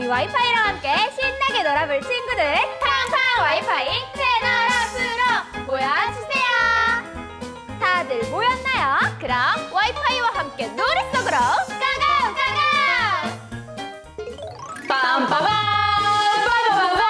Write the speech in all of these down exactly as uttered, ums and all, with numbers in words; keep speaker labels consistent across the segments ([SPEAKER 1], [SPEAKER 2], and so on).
[SPEAKER 1] 와이파이랑 함께 신나게 놀아볼 친구들 팡팡 와이파이 채널 앞으로 모여주세요. 다들 모였나요? 그럼 와이파이와 함께 노래 속으로 가가 가가! 빰빠밤 빠바바밤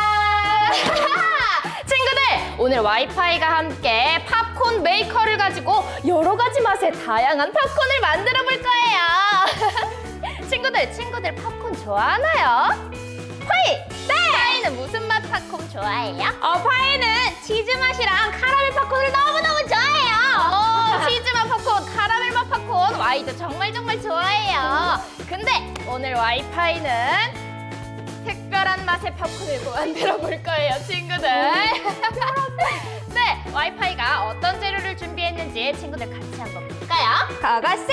[SPEAKER 1] 친구들, 오늘 와이파이가 함께 팝콘 메이커를 가지고 여러 가지 맛의 다양한 팝콘을 만들어 볼 거예요. 친구들, 친구들 팝콘 좋아하나요? 파이! 네! 파이는 무슨 맛 팝콘 좋아해요? 어, 파이는 치즈 맛이랑 카라멜 팝콘을 너무너무 좋아해요. 오, 치즈 맛 팝콘, 카라멜 맛 팝콘, 와이도 정말 정말 좋아해요. 근데 오늘 와이파이는 특별한 맛의 팝콘을 만들어 볼 거예요, 친구들. 네, 와이파이가 어떤 재료를 준비했는지 친구들 같이 한번 볼까요? 가가싱!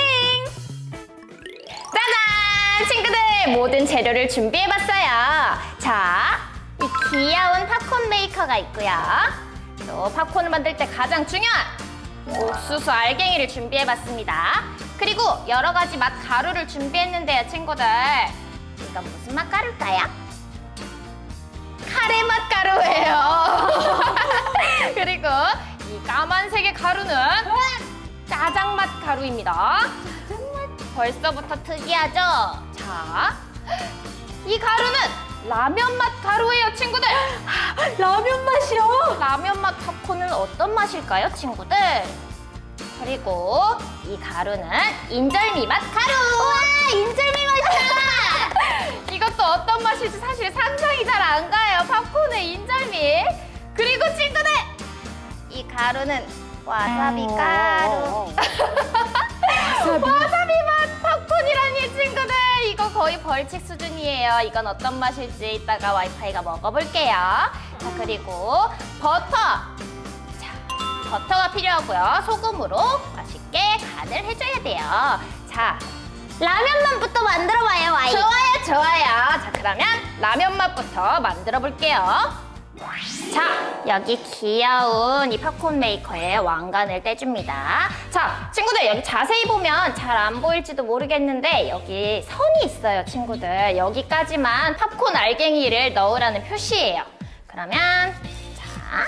[SPEAKER 1] 짜잔! 친구들, 모든 재료를 준비해봤어요. 자, 이 귀여운 팝콘 메이커가 있고요. 또 팝콘을 만들 때 가장 중요한 옥수수 알갱이를 준비해봤습니다. 그리고 여러 가지 맛 가루를 준비했는데요, 친구들. 이건 무슨 맛 가루일까요? 카레 맛 가루예요. 그리고 이 까만색의 가루는 짜장 맛 가루입니다. 벌써부터 특이하죠? 자, 이 가루는 라면 맛 가루예요, 친구들. 라면 맛이요? 라면 맛 팝콘은 어떤 맛일까요, 친구들? 그리고 이 가루는 인절미 맛 가루. 와, 인절미 맛이야. 이것도 어떤 맛일지 사실 상상이 잘 안 가요. 팝콘의 인절미. 그리고 친구들, 이 가루는 와사비 가루. 와사비 맛 팝콘이라니, 친구들. 이거 거의 벌칙 수준이에요. 이건 어떤 맛일지 이따가 와이파이가 먹어볼게요. 자, 그리고 버터. 자, 버터가 필요하고요. 소금으로 맛있게 간을 해줘야 돼요. 자, 라면 맛부터 만들어봐요, 와이. 좋아요, 좋아요. 자, 그러면 라면 맛부터 만들어 볼게요. 자, 여기 귀여운 이 팝콘 메이커에 왕관을 떼줍니다. 자, 친구들, 여기 자세히 보면 잘 안 보일지도 모르겠는데 여기 선이 있어요, 친구들. 여기까지만 팝콘 알갱이를 넣으라는 표시예요. 그러면 자,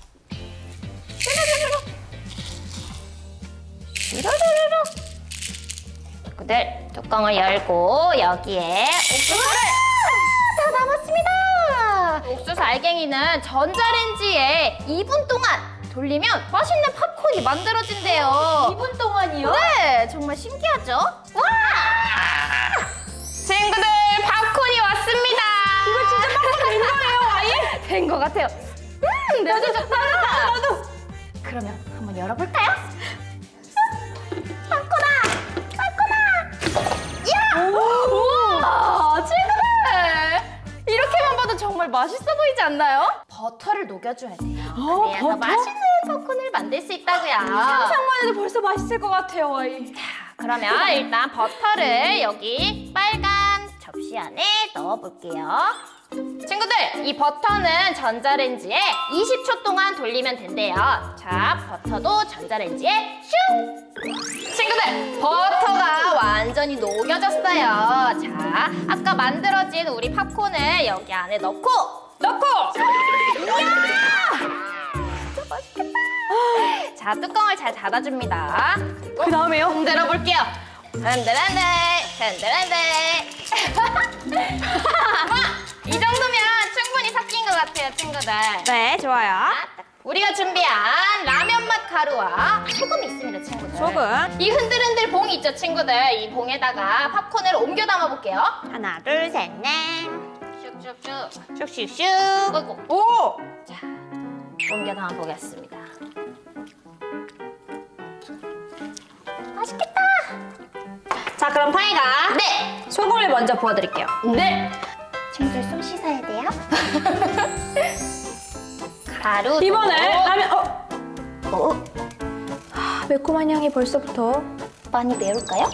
[SPEAKER 1] 슈루루루루. 친구들, 뚜껑을 열고 여기에 옥수수를 다 남았습니다. 옥수수 알갱이는 전자레인지에 이 분 동안 돌리면 맛있는 팝콘이 만들어진대요. 이 분 동안이요? 네, 정말 신기하죠? 와! 친구들, 팝콘이 왔습니다.
[SPEAKER 2] 이거 진짜 팝콘 된 거예요, 와이?
[SPEAKER 1] 된 것 같아요. 음, 냄새 좋다. 나도, 나도. 그러면 한번 열어볼까요? 팝콘아! 야! 우와! 친구들! 이렇게만 봐도 정말 맛있어 보이지 않나요? 버터를 녹여줘야 돼요.
[SPEAKER 2] 어,
[SPEAKER 1] 그래서
[SPEAKER 2] 버터?
[SPEAKER 1] 맛있는 팝콘을 만들 수 있다고요.
[SPEAKER 2] 상상만 해도 벌써 맛있을 것 같아요, 와이.
[SPEAKER 1] 자, 그러면 일단 버터를 여기 빨간 접시 안에 넣어볼게요. 친구들, 이 버터는 전자레인지에 이십 초 동안 돌리면 된대요. 자, 버터도 전자레인지에 슝! 친구들, 버터가 완전히 녹여졌어요. 자, 아까 만들어진 우리 팝콘을 여기 안에 넣고 넣고! 이야! 진짜 맛있겠다. 자, 뚜껑을 잘 닫아줍니다.
[SPEAKER 2] 그 다음에요?
[SPEAKER 1] 흔들어 볼게요. 흔들흔들, 흔들흔들. 이 정도면 충분히 섞인 것 같아요, 친구들.
[SPEAKER 2] 네, 좋아요.
[SPEAKER 1] 우리가 준비한 라면 맛 가루와 소금이 있습니다, 친구들.
[SPEAKER 2] 소금.
[SPEAKER 1] 이 흔들흔들 봉 있죠, 친구들. 이 봉에다가 팝콘을 옮겨 담아 볼게요.
[SPEAKER 2] 하나, 둘, 셋, 넷.
[SPEAKER 1] 슉슉슉.
[SPEAKER 2] 슉슉슉.
[SPEAKER 1] 어이구.
[SPEAKER 2] 오!
[SPEAKER 1] 자, 옮겨 담아 보겠습니다. 맛있겠다.
[SPEAKER 2] 자, 그럼 파이가
[SPEAKER 1] 네.
[SPEAKER 2] 소금을 먼저 부어드릴게요.
[SPEAKER 1] 네. 친구들 손 씻어야 돼요. 가루.
[SPEAKER 2] 이번에 라면, 어?
[SPEAKER 1] 어?
[SPEAKER 2] 아, 매콤한 향이 벌써부터.
[SPEAKER 1] 많이 매울까요?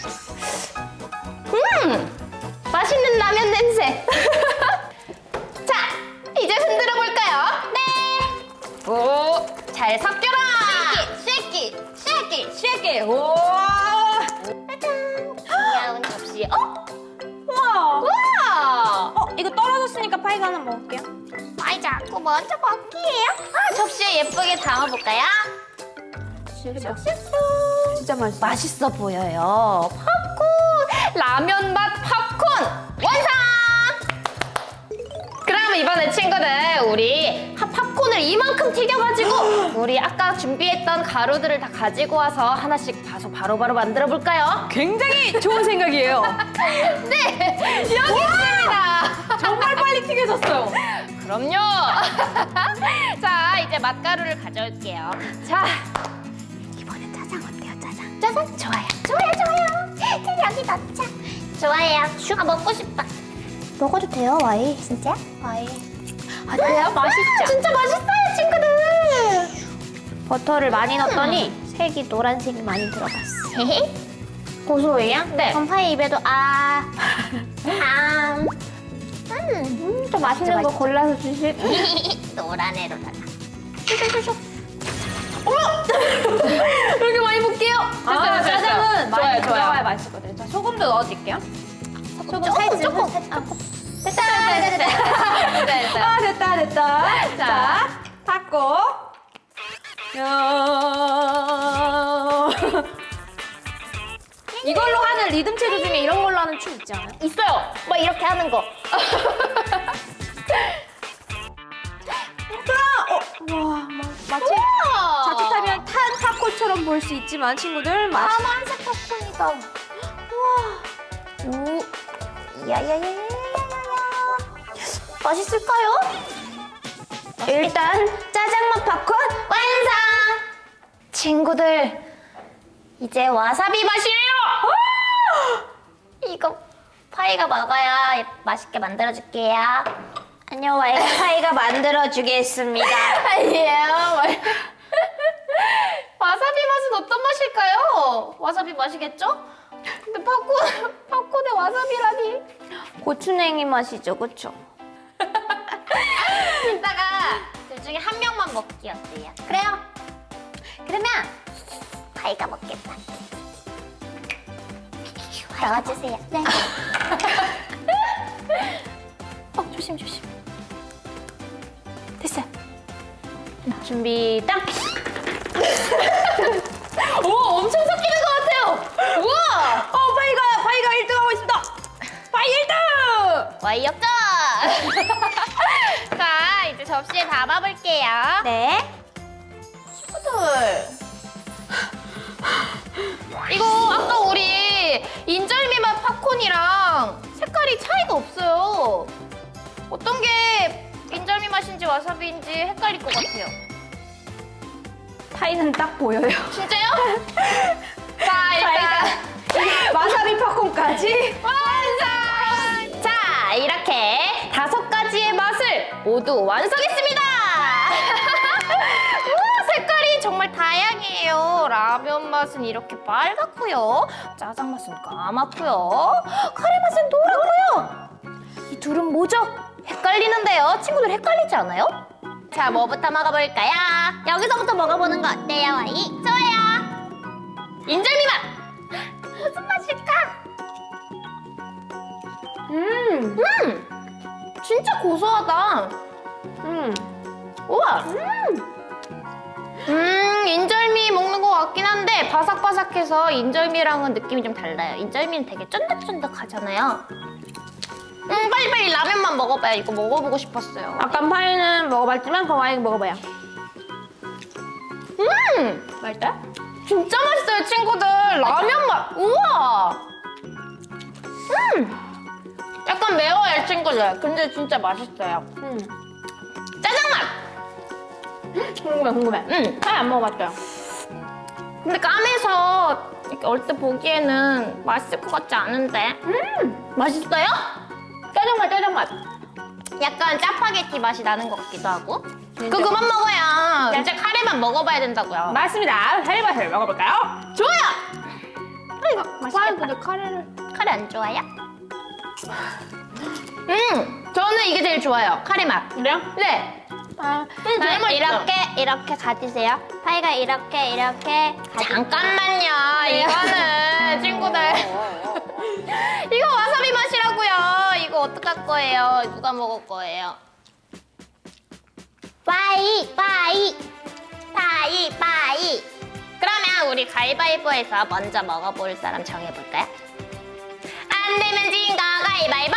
[SPEAKER 1] 음! 맛있는 라면 냄새! 자, 이제 흔들어 볼까요? 네! 오! 잘 섞여라! 쉐키! 쉐키! 쉐키! 오! 짜잔! 귀여운 접시. 어?
[SPEAKER 2] 우와!
[SPEAKER 1] 우와!
[SPEAKER 2] 파이가 하나 먹을게요.
[SPEAKER 1] 아이 자꾸 먼저 먹기예요. 아, 접시에 예쁘게 담아볼까요? 슉슉슉슉.
[SPEAKER 2] 진짜 맛있어.
[SPEAKER 1] 맛있어 보여요. 팝콘! 라면 맛 팝콘 완성! 그럼 이번에 친구들 우리 하- 팝콘을 이만큼 튀겨가지고 우리 아까 준비했던 가루들을 다 가지고 와서 하나씩 봐서 바로바로 만들어 볼까요?
[SPEAKER 2] 굉장히 좋은 생각이에요.
[SPEAKER 1] 네! 여기 있습니다!
[SPEAKER 2] 정말 빨리 튀겨졌어요.
[SPEAKER 1] 그럼요! 자, 이제 맛가루를 가져올게요. 자, 이번엔 짜장 어때요, 짜장? 짜장? 좋아요. 좋아요, 좋아요. 자, 여기 넣자. 좋아요. 슈. 아, 먹고 싶다. 먹어도 돼요, 와이? 진짜? 와이. 아, 그래요? 맛있죠? 진짜 맛있어요, 친구들!
[SPEAKER 2] 버터를 많이 넣었더니 색이 노란색이 많이 들어갔어.
[SPEAKER 1] 고소해요? 네.
[SPEAKER 2] 그럼 파이 입에도 아.
[SPEAKER 1] 아. 음.
[SPEAKER 2] 음, 또 맛있는 거
[SPEAKER 1] 맛있죠.
[SPEAKER 2] 골라서 주실.
[SPEAKER 1] 노란 애로다가. 슉슉슉슉. 어머! 이렇게 많이 볼게요.
[SPEAKER 2] 아, 짜장은 많이
[SPEAKER 1] 좋아요,
[SPEAKER 2] 들어가야
[SPEAKER 1] 좋아요.
[SPEAKER 2] 맛있거든요. 자, 소금도 넣어줄게요. 소금
[SPEAKER 1] 조금,
[SPEAKER 2] 살짝.
[SPEAKER 1] 조금.
[SPEAKER 2] 살짝.
[SPEAKER 1] 됐다, 됐다, 됐다. 됐다.
[SPEAKER 2] 아, 됐다, 됐다.
[SPEAKER 1] 자.
[SPEAKER 2] 자, 닫고. 야. 이걸로 하는 리듬 체조 중에 이런 걸로 하는 춤 있지 않아요?
[SPEAKER 1] 있어요. 뭐 이렇게 하는 거.
[SPEAKER 2] 어, 와, 마, 마치
[SPEAKER 1] 우와.
[SPEAKER 2] 자칫하면 탄 팝콘처럼 볼 수 있지만 친구들 맛.
[SPEAKER 1] 까만색 팝콘이다. 우와. 오. 야야야야야야야. 맛있을까요?
[SPEAKER 2] 일단 짜장맛 팝콘
[SPEAKER 1] 완성! 친구들, 이제 와사비 맛이에요! 이거 파이가 먹어야 맛있게 만들어줄게요.
[SPEAKER 2] 안녕, 와이가 파이가 만들어주겠습니다.
[SPEAKER 1] 아니에요. 와사비 맛은 어떤 맛일까요? 와사비 맛이겠죠? 근데 팝콘, 팝콘에 와사비라니.
[SPEAKER 2] 고추냉이 맛이죠, 그쵸?
[SPEAKER 1] 이따가 둘 중에 한 명만 먹기 어때요? 그래요? 그러면 파이가 먹겠다. 넣어주세요. 네.
[SPEAKER 2] 어, 조심, 조심. 됐어요. 준비, 딱!
[SPEAKER 1] 오, 엄청 섞이는 것 같아요. 우와!
[SPEAKER 2] 어, 파이가, 파이가 일 등 하고 있습니다. 파이 일 등!
[SPEAKER 1] 와이 역전! 자, 이제 접시에 담아볼게요.
[SPEAKER 2] 네.
[SPEAKER 1] 친구들. 이거 아까 우리 인절미 맛 팝콘이랑 색깔이 차이가 없어요. 어떤 게 인절미 맛인지 와사비인지 헷갈릴 것 같아요.
[SPEAKER 2] 파이는 딱 보여요.
[SPEAKER 1] 진짜요? 자, 일단
[SPEAKER 2] 와사비 팝콘까지.
[SPEAKER 1] 완성! 자, 이렇게 다섯 가지의 맛을 모두 완성했습니다! 우와, 색깔이 정말 다양해요. 라면 맛은 이렇게 빨갛고요. 짜장 맛은 까맣고요. 카레 맛은 노랗고요. 이 둘은 뭐죠? 헷갈리는데요. 친구들 헷갈리지 않아요? 자, 뭐부터 먹어볼까요? 여기서부터 먹어보는 거 어때요, 와이? 좋아요. 인절미 맛! 무슨 맛일까?
[SPEAKER 2] 음,
[SPEAKER 1] 음! 진짜 고소하다.
[SPEAKER 2] 음.
[SPEAKER 1] 우와! 음! 음, 인절미 먹는 것 같긴 한데 바삭바삭해서 인절미랑은 느낌이 좀 달라요. 인절미는 되게 쫀득쫀득하잖아요. 음, 빨리빨리 라면만 먹어봐요. 이거 먹어보고 싶었어요.
[SPEAKER 2] 아까 파이는 먹어봤지만 그럼 와이 먹어봐요.
[SPEAKER 1] 음!
[SPEAKER 2] 맛있다?
[SPEAKER 1] 진짜 맛있어요, 친구들. 라면 맛. 우와! 음! 약간 매워요, 친구들. 근데 진짜 맛있어요.
[SPEAKER 2] 음.
[SPEAKER 1] 짜장 맛!
[SPEAKER 2] 궁금해, 궁금해.
[SPEAKER 1] 음!
[SPEAKER 2] 파이 안 먹어봤어요.
[SPEAKER 1] 근데 까매서 이렇게 얼핏 보기에는 맛있을 것 같지 않은데. 음! 맛있어요?
[SPEAKER 2] 짜장맛, 짜장맛.
[SPEAKER 1] 약간 짜파게티 맛이 나는 것 같기도 하고. 그거 그만 먹어요. 이제 카레만 먹어봐야 된다고요.
[SPEAKER 2] 맞습니다. 파이맛을 먹어볼까요?
[SPEAKER 1] 좋아요! 아, 이거
[SPEAKER 2] 파이
[SPEAKER 1] 맛있겠다.
[SPEAKER 2] 근데 카레를.
[SPEAKER 1] 카레 안 좋아요? 음! 저는 이게 제일 좋아요. 카레 맛.
[SPEAKER 2] 그래요?
[SPEAKER 1] 네.
[SPEAKER 2] 아,
[SPEAKER 1] 제일 맛있어.
[SPEAKER 2] 이렇게, 이렇게 가지세요. 파이가 이렇게, 이렇게.
[SPEAKER 1] 잠깐만요. 이거는 친구들. 이거 와사비 맛이라고요. 이거 어떡할 거예요? 누가 먹을 거예요?
[SPEAKER 2] 빠이 빠이.
[SPEAKER 1] 바이 바이. 그러면 우리 가위바위보에서 먼저 먹어볼 사람 정해볼까요? 안 되면 진 거 가위바위보.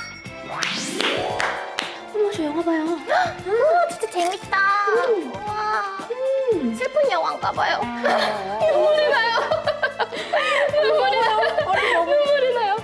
[SPEAKER 2] 어머 저 영화 봐요.
[SPEAKER 1] 오, 진짜 재밌다. 우와. 슬픈 영화인가 봐요. 눈물이 나요. 눈물이 나요. 눈물이 나요.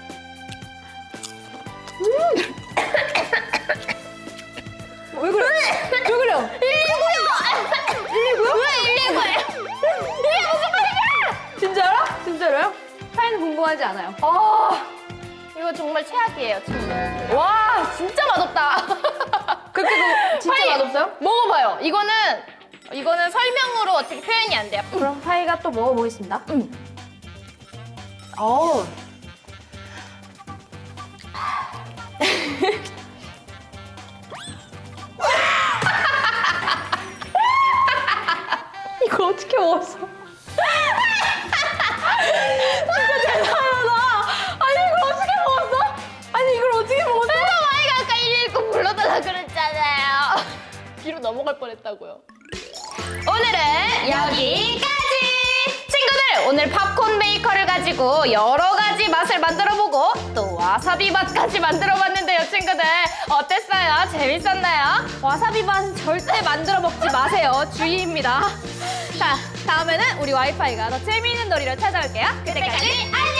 [SPEAKER 3] 왜 그래? 왜 그래요?
[SPEAKER 1] 일일구요. 일일구요? 왜 일일구예요? 이게 무슨 말이야?
[SPEAKER 3] 진짜로? 진짜로요? 사연은 궁금하지 않아요.
[SPEAKER 1] 아, 이거 정말 최악이에요, 친구. 와, 진짜 맛없다.
[SPEAKER 3] 그렇게 그 진짜
[SPEAKER 1] 파이,
[SPEAKER 3] 맛없어요?
[SPEAKER 1] 먹어봐요. 이거는 이거는 설명으로 어떻게 표현이 안 돼요.
[SPEAKER 3] 그럼 파이가 또 먹어보겠습니다.
[SPEAKER 1] 음.
[SPEAKER 3] 어. 이걸 어떻게 먹었어? 진짜 대단하다. 아니 이걸 어떻게 먹었어? 아니 이걸 어떻게 먹었어?
[SPEAKER 1] 그래서 마이가 아까 일일구 불러달라 그랬잖아요. 뒤로 넘어갈 뻔했다고요. 오늘은 여기까지! 친구들, 오늘 팝콘 메이커를 가지고 여러 가지 맛을 만들어보고 또 와사비 맛까지 만들어봤는데요, 친구들. 어땠어요? 재밌었나요?
[SPEAKER 3] 와사비 맛은 절대 만들어 먹지 마세요. 주의입니다. 자, 다음에는 우리 와이파이가 더 재미있는 놀이로 찾아올게요.
[SPEAKER 1] 그때까지 안녕!